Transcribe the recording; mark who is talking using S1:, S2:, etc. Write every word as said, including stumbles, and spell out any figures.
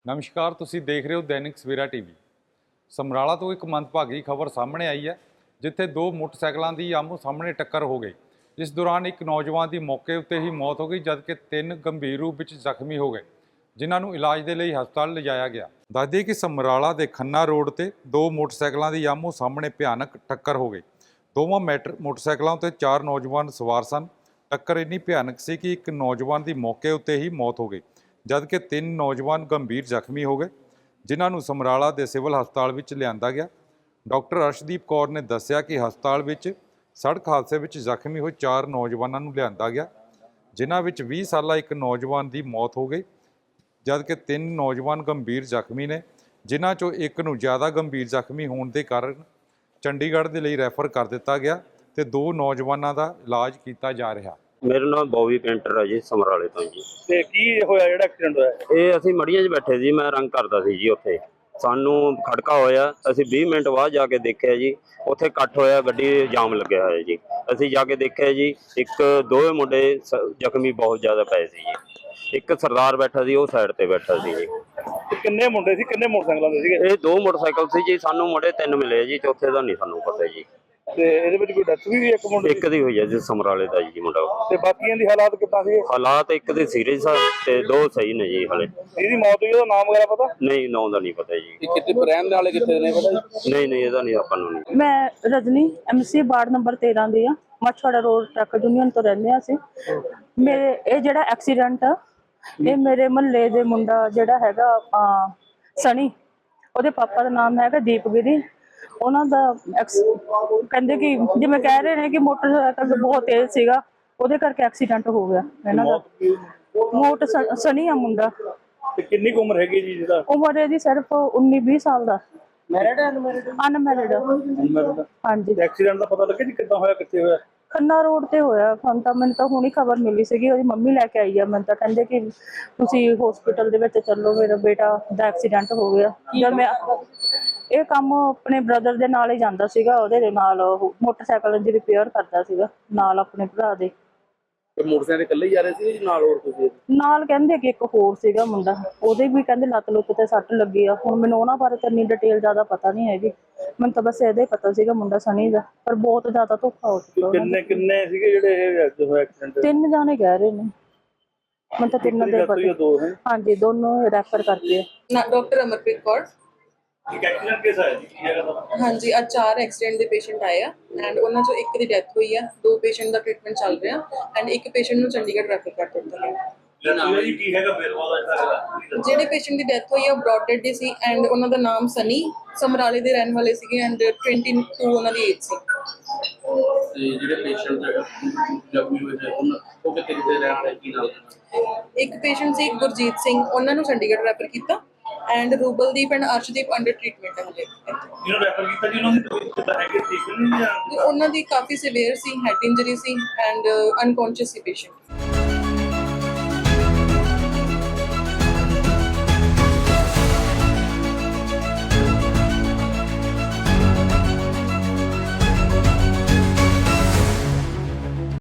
S1: ਨਮਸਕਾਰ, ਤੁਸੀਂ ਦੇਖ ਰਹੇ ਹੋ ਦੈਨਿਕ ਸਵੇਰਾ ਟੀਵੀ। ਸਮਰਾਲਾ ਤੋਂ ਇੱਕ ਮੰਦਭਾਗੀ ਖਬਰ ਸਾਹਮਣੇ ਆਈ ਹੈ, ਜਿੱਥੇ ਦੋ ਮੋਟਰਸਾਈਕਲਾਂ ਦੀ ਆਮੋ ਸਾਹਮਣੇ ਟੱਕਰ ਹੋ ਗਈ। ਇਸ ਦੌਰਾਨ ਇੱਕ ਨੌਜਵਾਨ ਦੀ ਮੌਕੇ ਉੱਤੇ ਹੀ ਮੌਤ ਹੋ ਗਈ, ਜਦਕਿ ਤਿੰਨ ਗੰਭੀਰ ਰੂਪ ਵਿੱਚ ਜ਼ਖਮੀ ਹੋ ਗਏ, ਜਿਨ੍ਹਾਂ ਨੂੰ ਇਲਾਜ ਦੇ ਲਈ ਹਸਪਤਾਲ ਲਿਜਾਇਆ ਗਿਆ। ਦੱਸ ਦਈਏ ਕਿ ਸਮਰਾਲਾ ਦੇ ਖੰਨਾ ਰੋਡ ਤੇ ਦੋ ਮੋਟਰਸਾਈਕਲਾਂ ਦੀ ਆਮੋ ਸਾਹਮਣੇ ਭਿਆਨਕ ਟੱਕਰ ਹੋ ਗਈ। ਦੋਵਾਂ ਮੈਟਰ ਮੋਟਰਸਾਈਕਲਾਂ ਉੱਤੇ ਚਾਰ ਨੌਜਵਾਨ ਸਵਾਰ ਸਨ। ਟੱਕਰ ਇੰਨੀ ਭਿਆਨਕ ਸੀ ਕਿ ਇੱਕ ਨੌਜਵਾਨ ਦੀ ਮੌਕੇ ਉੱਤੇ ਹੀ ਮੌਤ ਹੋ ਗਈ, ਜਦਕਿ ਤਿੰਨ ਨੌਜਵਾਨ ਗੰਭੀਰ ਜ਼ਖਮੀ ਹੋ ਗਏ, ਜਿਨ੍ਹਾਂ ਨੂੰ ਸਮਰਾਲਾ ਦੇ ਸਿਵਲ ਹਸਪਤਾਲ ਵਿੱਚ ਲਿਆਂਦਾ ਗਿਆ। ਡਾਕਟਰ ਅਰਸ਼ਦੀਪ ਕੌਰ ਨੇ ਦੱਸਿਆ ਕਿ ਹਸਪਤਾਲ ਵਿੱਚ ਸੜਕ ਹਾਦਸੇ ਵਿੱਚ ਜ਼ਖਮੀ ਹੋਏ ਚਾਰ ਨੌਜਵਾਨਾਂ ਨੂੰ ਲਿਆਂਦਾ ਗਿਆ, ਜਿਨ੍ਹਾਂ ਵਿੱਚ ਵੀਹ ਸਾਲਾ ਇੱਕ ਨੌਜਵਾਨ ਦੀ ਮੌਤ ਹੋ ਗਈ, ਜਦਕਿ ਤਿੰਨ ਨੌਜਵਾਨ ਗੰਭੀਰ ਜ਼ਖਮੀ ਨੇ, ਜਿਨ੍ਹਾਂ 'ਚੋਂ ਇੱਕ ਨੂੰ ਜ਼ਿਆਦਾ ਗੰਭੀਰ ਜ਼ਖਮੀ ਹੋਣ ਦੇ ਕਾਰਨ ਚੰਡੀਗੜ੍ਹ ਦੇ ਲਈ ਰੈਫਰ ਕਰ ਦਿੱਤਾ ਗਿਆ ਤੇ ਦੋ ਨੌਜਵਾਨਾਂ ਦਾ ਇਲਾਜ ਕੀਤਾ ਜਾ ਰਿਹਾ।
S2: मेरा नाम बॉबी पेंटर है जी, समराले तो जी।
S3: ਤੇ ਕੀ ਹੋਇਆ ਜਿਹੜਾ ਐਕਸੀਡੈਂਟ ਹੋਇਆ?
S2: ਇਹ ਅਸੀਂ ਮੜੀਆਂ 'ਚ ਬੈਠੇ ਸੀ, ਮੈਂ ਰੰਗ ਕਰਦਾ ਸੀ ਜੀ। ਉੱਥੇ ਸਾਨੂੰ ਖੜਕਾ ਹੋਇਆ, ਅਸੀਂ ਵੀਹ ਮਿੰਟ ਬਾਅਦ ਜਾ ਕੇ ਦੇਖਿਆ ਜੀ, ਉੱਥੇ ਇਕੱਠ ਹੋਇਆ, ਗੱਡੀ ਜਾਮ ਲੱਗਿਆ ਹੋਇਆ ਜੀ। ਅਸੀਂ ਜਾ ਕੇ ਦੇਖਿਆ ਜੀ, ਇੱਕ ਦੋਵੇਂ ਮੁੰਡੇ ਜ਼ਖਮੀ ਬਹੁਤ ਜ਼ਿਆਦਾ ਪਏ ਸੀ ਜੀ। ਇੱਕ ਸਰਦਾਰ ਬੈਠਾ ਸੀ, ਉਹ ਸਾਈਡ ਤੇ ਬੈਠਾ ਸੀ ਜੀ।
S3: ਤੇ ਕਿੰਨੇ ਮੁੰਡੇ ਸੀ, ਕਿੰਨੇ ਮੋਟਰਸਾਈਕਲਾਂ ਦੇ ਸੀਗੇ?
S2: ਇਹ ਦੋ ਮੋਟਰਸਾਈਕਲ ਸੀ ਜੀ, ਸਾਨੂੰ ਮੁੰਡੇ ਤਿੰਨ ਮਿਲੇ ਜੀ, ਚੌਥੇ ਦਾ ਨਹੀਂ ਸਾਨੂੰ ਪਤਾ ਜੀ।
S3: ਤੇ ਇਹਦੇ ਵਿੱਚ ਕੋਈ ਡੈਥ ਵੀ ਹੋਈ ਇੱਕ ਮੁੰਡੇ
S2: ਇੱਕ ਦੀ ਹੋਈ ਹੈ ਜੀ, ਸਮਰਾਲੇ ਦਾ ਜੀ ਮੁੰਡਾ।
S3: ਤੇ ਬਾਕੀਆਂ ਦੀ ਹਾਲਾਤ ਕਿੱਦਾਂ ਸੀ?
S2: ਹਾਲਾਤ ਇੱਕ ਦੇ ਸੀਰੀਅਸ ਆ ਤੇ ਦੋ ਸਹੀ ਨੇ ਜੀ। ਹਲੇ
S3: ਇਹਦੀ ਮੌਤ ਹੋਈ, ਉਹਦਾ ਨਾਮ ਵਗੈਰਾ ਪਤਾ?
S2: ਨਹੀਂ, ਨਾਂ ਦਾ ਨਹੀਂ ਪਤਾ ਜੀ।
S3: ਕਿੱਥੇ ਰਹਿਣ ਦੇ ਵਾਲੇ ਕਿੱਥੇ ਨੇ ਪਤਾ?
S2: ਨਹੀਂ ਨਹੀਂ, ਇਹਦਾ ਨਹੀਂ ਆਪਾਂ ਨੂੰ ਨਹੀਂ।
S4: ਮੈਂ ਰਜਨੀ ਐਮਸੀ ਵਾਰਡ ਨੰਬਰ ਤੇਰਾਂ ਦੀ ਆ, ਮਛਵਾੜਾ ਰੋਡ ਟਰੱਕ ਯੂਨੀਅਨ ਤੋਂ ਰਹਿੰਦੇ ਆ ਅਸੀਂ। ਮੇਰੇ ਇਹ ਜਿਹੜਾ ਐਕਸੀਡੈਂਟ ਆ, ਇਹ ਮੇਰੇ ਮਹੱਲੇ ਦੇ ਮੁੰਡਾ ਜਿਹੜਾ ਹੈਗਾ ਸਣੀ, ਉਹਦੇ ਪਾਪਾ ਦਾ ਨਾਮ ਹੈਗਾ ਦੀਪਗਿਰੀ। ਉਹਨਾਂ ਦਾ ਕਹਿੰਦੇ ਕਿ ਜਿਵੇਂ ਕਹਿ ਰਹੇ ਨੇ ਕਿ ਮੋਟਰਸਾਈਕਲ ਬਹੁਤ ਤੇਜ਼ ਸੀਗਾ, ਉਹਦੇ ਕਰਕੇ ਐਕਸੀਡੈਂਟ ਹੋ ਗਿਆ ਇਹਨਾਂ ਦਾ। ਮੋਟ ਸਣੀ ਆ ਮੁੰਡਾ।
S3: ਤੇ ਕਿੰਨੀ ਕੁ ਉਮਰ ਹੈਗੀ ਜੀ ਜਿਹਦਾ?
S4: ਉਮਰ ਇਹਦੀ ਸਿਰਫ ਉੱਨੀ ਵੀਹ ਸਾਲ ਦਾ।
S3: ਮੈਰਿਡ ਹੈ ਅਨਮੈਰਿਡ?
S4: ਅਨਮੈਰਿਡ। ਹਾਂਜੀ।
S3: ਐਕਸੀਡੈਂਟ ਦਾ ਪਤਾ ਲੱਗਿਆ ਜੀ ਕਿੱਦਾਂ ਹੋਇਆ, ਕਿੱਥੇ ਹੋਇਆ? ਖੰਨਾ
S4: ਰੋਡ ਤੇ ਹੋਇਆ। ਹੁਣ ਤਾਂ ਮੈਨੂੰ ਤਾਂ ਹੁਣੀ ਖਬਰ ਮਿਲੀ ਸੀਗੀ, ਉਹਦੀ ਮੰਮੀ ਲੈ ਕੇ ਆਈ ਆ। ਮੈਨੂੰ ਤਾਂ ਕਹਿੰਦੇ ਕਿ ਤੁਸੀਂ ਹਸਪੀਟਲ ਦੇ ਵਿੱਚ ਚੱਲੋ, ਮੇਰਾ ਬੇਟਾ ਦਾ ਐਕਸੀਡੈਂਟ ਹੋ ਗਿਆ। ਜਦ ਮੈਂ ਇਹ ਕੰਮ ਆਪਣੇ ਬ੍ਰਦਰ ਦੇ ਨਾਲ ਹੀ ਜਾਂਦਾ ਸੀਗਾ, ਉਹਦੇ ਨਾਲ ਉਹ ਮੋਟਰਸਾਈਕਲ ਦੀ ਰਿਪੇਅਰ ਕਰਦਾ ਸੀਗਾ ਨਾਲ ਆਪਣੇ ਭਰਾ ਦੇ।
S3: ਤੇ ਮੋਟਰਸਾਈਕਲ ਇਕੱਲੇ ਹੀ ਜਾ ਰਹੇ ਸੀ ਨਾਲ ਹੋਰ ਤੁਸੀਂ?
S4: ਨਾਲ ਕਹਿੰਦੇ ਕਿ ਇੱਕ ਹੋਰ ਸੀਗਾ ਮੁੰਡਾ, ਉਹਦੇ ਵੀ ਕਹਿੰਦੇ ਲੱਤ ਲੁੱਤ ਤੇ ਸੱਟ ਲੱਗੀ ਆ। ਹੁਣ ਮੈਨੂੰ ਉਹਨਾਂ ਬਾਰੇ ਤਾਂ ਇੰਨੀ ਡਿਟੇਲ ਜ਼ਿਆਦਾ ਪਤਾ ਨਹੀਂ ਹੈਗੀ, ਮੈਨੂੰ ਤਾਂ ਬਸ ਇਹਦਾ ਹੀ ਪਤਾ ਸੀਗਾ ਮੁੰਡਾ ਸਣੀ ਦਾ। ਪਰ ਬਹੁਤ ਜ਼ਿਆਦਾ ਧੋਖਾ ਹੋ ਚੁੱਕਾ।
S3: ਕਿੰਨੇ ਕਿੰਨੇ ਸੀਗੇ ਜਿਹੜੇ ਹੋਇਆ ਐਕਸੀਡੈਂਟ?
S4: ਤਿੰਨ ਜਾਣੇ ਕਹਿ ਰਹੇ ਨੇ, ਮੈਨੂੰ ਤਾਂ ਤਿੰਨ ਦੇ ਪਤਾ। ਹਾਂਜੀ, ਦੋਨੋਂ ਰੈਫਰ ਕਰਕੇ।
S5: ਡਾਕਟਰ ਅਮਰਪ੍ਰੀਤ ਕੌਰ।
S3: ਇੱਕ ਐਕਸੀਡੈਂਟ ਕੇਸ ਆਇਆ ਜੀ, ਕੀ ਹੈਗਾ ਤੁਹਾਡਾ?
S5: ਹਾਂਜੀ, ਅੱਜ ਚਾਰ ਐਕਸੀਡੈਂਟ ਦੇ ਪੇਸ਼ੈਂਟ ਆਏ ਆ ਐਂਡ ਉਹਨਾਂ ਚੋਂ ਇੱਕ ਦੀ ਡੈਥ ਹੋਈ ਆ, ਦੋ ਪੇਸ਼ੈਂਟ ਦਾ ਟ੍ਰੀਟਮੈਂਟ ਚੱਲ ਰਿਹਾ ਐਂਡ ਇੱਕ ਪੇਸ਼ੈਂਟ ਨੂੰ ਚੰਡੀਗੜ੍ਹ ਰੈਫਰ ਕਰ ਦਿੱਤਾ ਗਿਆ।
S3: ਕੀ ਹੈਗਾ ਫਿਰ ਉਹਦਾ?
S5: ਜਿਹੜੇ ਪੇਸ਼ੈਂਟ ਦੀ ਡੈਥ ਹੋਈ ਆ ਉਹ ਬ੍ਰੌਡ ਡੈਡ ਦੀ ਸੀ ਐਂਡ ਉਹਨਾਂ ਦਾ ਨਾਮ ਸਨੀ, ਸਮਰਾਲੇ ਦੇ ਰਹਿਣ ਵਾਲੇ ਸੀਗੇ ਐਂਡ ਬਾਈ ਉਹਨਾਂ ਦੀ ਏਜ ਸੀ।
S6: ਤੇ ਜਿਹੜੇ ਪੇਸ਼ੈਂਟ ਜ਼ਖਮੀ ਹੋਏ ਨੇ ਉਹ ਕਿੱਥੇ ਕਿੱਥੇ ਰਹਿਣ ਵਾਲੇ, ਕੀ ਨਾਮ?
S5: ਇੱਕ ਪੇਸ਼ੈਂਟ ਸੀ ਗੁਰਜੀਤ ਸਿੰਘ, ਉਹਨਾਂ ਨੂੰ ਚੰਡੀਗੜ੍ਹ ਰੈਫਰ ਕੀਤਾ and Rubaldeep and Arshdeep under treatment ਹੈ ਹਲੇ।
S3: ਜਿਹਨੂੰ ਰੈਫਰ ਕੀਤਾ ਜੀ, ਉਹਨਾਂ ਦੀ ਤਬੀਅਤ ਕਿੱਦਾਂ ਹੈਗੀ, ਠੀਕ ਨਹੀਂ ਜਾਂ?
S5: ਉਹਨਾਂ ਦੀ ਕਾਫੀ ਸਿਵੀਅਰ ਸੀ, ਹੈਡ ਇੰਜਰੀ ਸੀ ਐਂਡ ਅਨਕੌਂਸ਼ੀਅਸ ਸੀ ਪੇਸ਼ੈਂਟ।